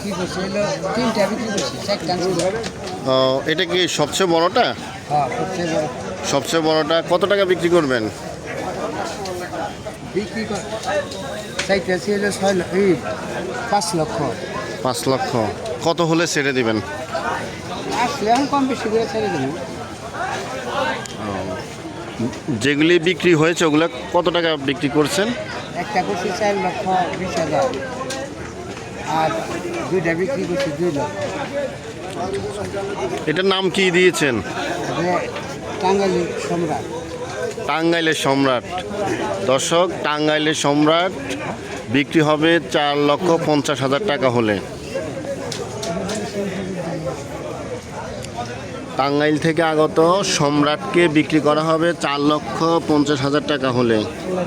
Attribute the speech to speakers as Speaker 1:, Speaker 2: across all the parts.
Speaker 1: বিক্রি করছি হলো 3টা বিক্রি করছি 4টা
Speaker 2: এটা কি সবচেয়ে বড়টা?
Speaker 1: হ্যাঁ সবচেয়ে বড়
Speaker 2: সবচেয়ে বড়টা কত টাকা বিক্রি করবেন?
Speaker 1: বিক্রি কর চাইতেছি হলো 5 লক্ষ।
Speaker 2: 5 লক্ষ। কত হলে ছেড়ে দিবেন?
Speaker 1: আসলে এখন কম বেশি করে ছেড়ে দেবো।
Speaker 2: যেগুলি বিক্রি হয়েছে ওগুলো কত টাকা বিক্রি করছেন?
Speaker 1: একটা করছি 4,20,000 আর 2টা বিক্রি করছি 2 লক্ষ।
Speaker 2: এটার নাম কি দিয়েছেন?
Speaker 1: টাঙ্গাইলি সম্রাট।
Speaker 2: টাঙ্গাইলের সম্রাট। দর্শক, টাঙ্গাইলের সম্রাট বিক্রি হবে 4,50,000 টাকা হলে। টাঙ্গাইল থেকে আগত সম্রাটকে বিক্রি করা হবে 4,50,000 টাকা হলে।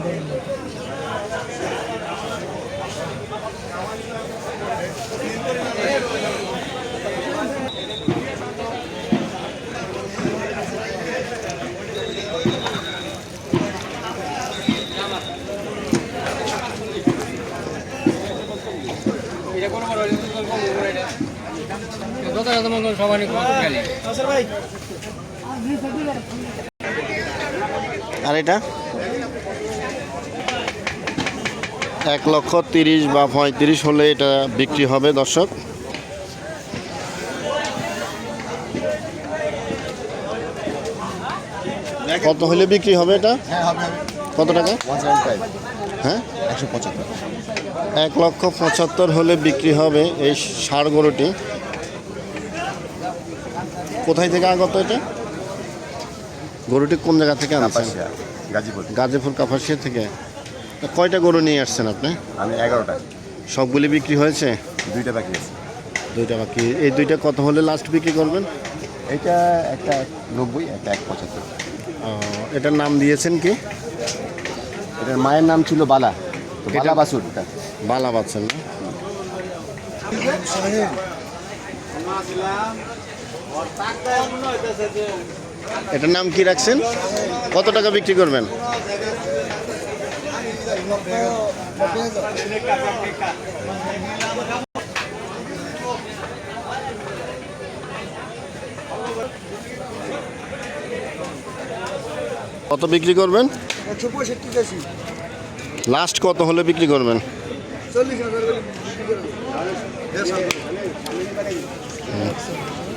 Speaker 2: আর এটা 1,30,000 বা 35 হলে এটা বিক্রি হবে দর্শক। কত হলে বিক্রি হবে এটা? কত টাকা? হ্যাঁ 1,75,000 হলে বিক্রি হবে এই ষাঁড় গরুটি। কোথায় থেকে আগত এটা? গরুটি কোন জায়গা থেকে আনছেন? গাজীপুর কাপাসিয়া থেকে। কয়টা গরু নিয়ে আসছেন আপনি?
Speaker 3: আমি 11টা।
Speaker 2: সবগুলি বিক্রি হয়েছে?
Speaker 3: 2টা বাকি আছে।
Speaker 2: 2টা বাকি। এই 2টা কত হলে লাস্ট বিক্রি করবেন?
Speaker 3: এটা একটা 90, একটা 175।
Speaker 2: এটার নাম দিয়েছেন কি?
Speaker 3: এটার মায়ের নাম ছিল বালা। তো বালা বাছুর।
Speaker 2: বালা বাচ্চা না? এটার নাম কি রাখছেন? কত টাকা বিক্রি করবেন? কত বিক্রি করবেন?
Speaker 1: 165
Speaker 2: লাস্ট কত হলে বিক্রি করবেন?
Speaker 1: 40,000।